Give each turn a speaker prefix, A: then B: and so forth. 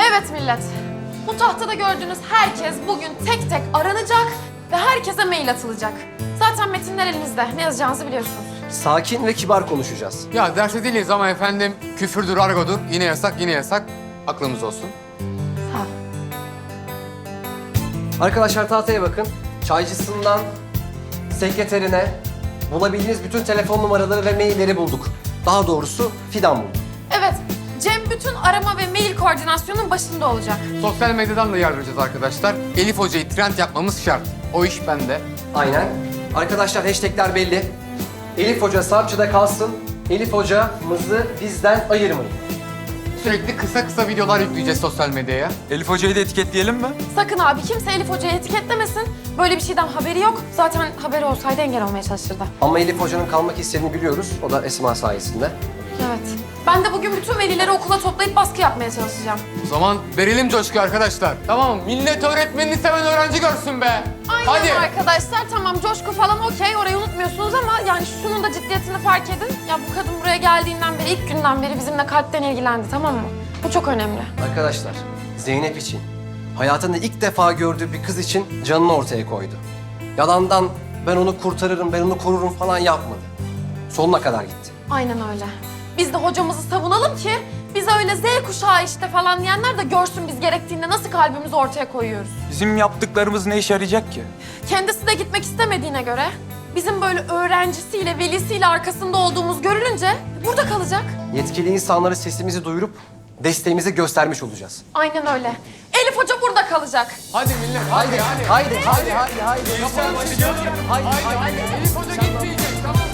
A: Evet millet. Bu tahtada gördüğünüz herkes bugün tek tek aranacak ve herkese mail atılacak. Zaten metinler elinizde. Ne yazacağınızı biliyorsunuz.
B: Sakin ve kibar konuşacağız.
C: Ya derste değiliz ama efendim küfürdür, argodur. Yine yasak, yine yasak. Aklımız olsun.
A: Sağ ol.
B: Arkadaşlar tahtaya bakın. Çaycısından sekreterine bulabildiğiniz bütün telefon numaraları ve mailleri bulduk. Daha doğrusu Fidan buldu.
A: Evet. Cem bütün arama ve mail koordinasyonun başında olacak.
C: Sosyal medyadan da yardıracağız arkadaşlar. Elif Hoca'yı trend yapmamız şart. O iş bende.
B: Aynen. Arkadaşlar hashtagler belli. Elif Hoca Sarpçı'da kalsın. Elif hocamızı bizden ayırmayın.
C: Sürekli kısa kısa videolar yükleyeceğiz sosyal medyaya.
D: Elif Hoca'yı da etiketleyelim mi?
A: Sakın abi kimse Elif Hoca'yı etiketlemesin. Böyle bir şeyden haberi yok. Zaten haberi olsaydı engel olmaya çalışırdı.
B: Ama Elif Hoca'nın kalmak istediğini biliyoruz. O da Esma sayesinde.
A: Evet. Ben de bugün bütün velileri okula toplayıp baskı yapmaya çalışacağım.
C: O zaman verelim coşku arkadaşlar. Tamam mı? Millet öğretmenini seven öğrenci görsün be.
A: Aynen
C: Hadi.
A: arkadaşlar. Tamam coşku falan okey. Orayı unutmuyorsunuz ama yani şunun da ciddiyetini fark edin. Ya bu kadın buraya geldiğinden beri, ilk günden beri bizimle kalpten ilgilendi, tamam mı? Bu çok önemli.
B: Arkadaşlar Zeynep için, hayatında ilk defa gördüğü bir kız için canını ortaya koydu. Yalandan ben onu kurtarırım, ben onu korurum falan yapmadı. Sonuna kadar gitti.
A: Aynen öyle. Biz de hocamızı savunalım ki bize öyle Z kuşağı işte falan diyenler de görsün biz gerektiğinde nasıl kalbimizi ortaya koyuyoruz.
D: Bizim yaptıklarımız ne işe yarayacak ki?
A: Kendisi de gitmek istemediğine göre bizim böyle öğrencisiyle, velisiyle arkasında olduğumuz görülünce burada kalacak.
B: Yetkili insanlara sesimizi duyurup desteğimizi göstermiş olacağız.
A: Aynen öyle. Elif Hoca burada kalacak.
C: Hadi millet. Hadi.
B: Haydi, haydi, haydi, haydi.
C: Yapalım. Haydi. Elif Hoca gitmeyecek. Tamam.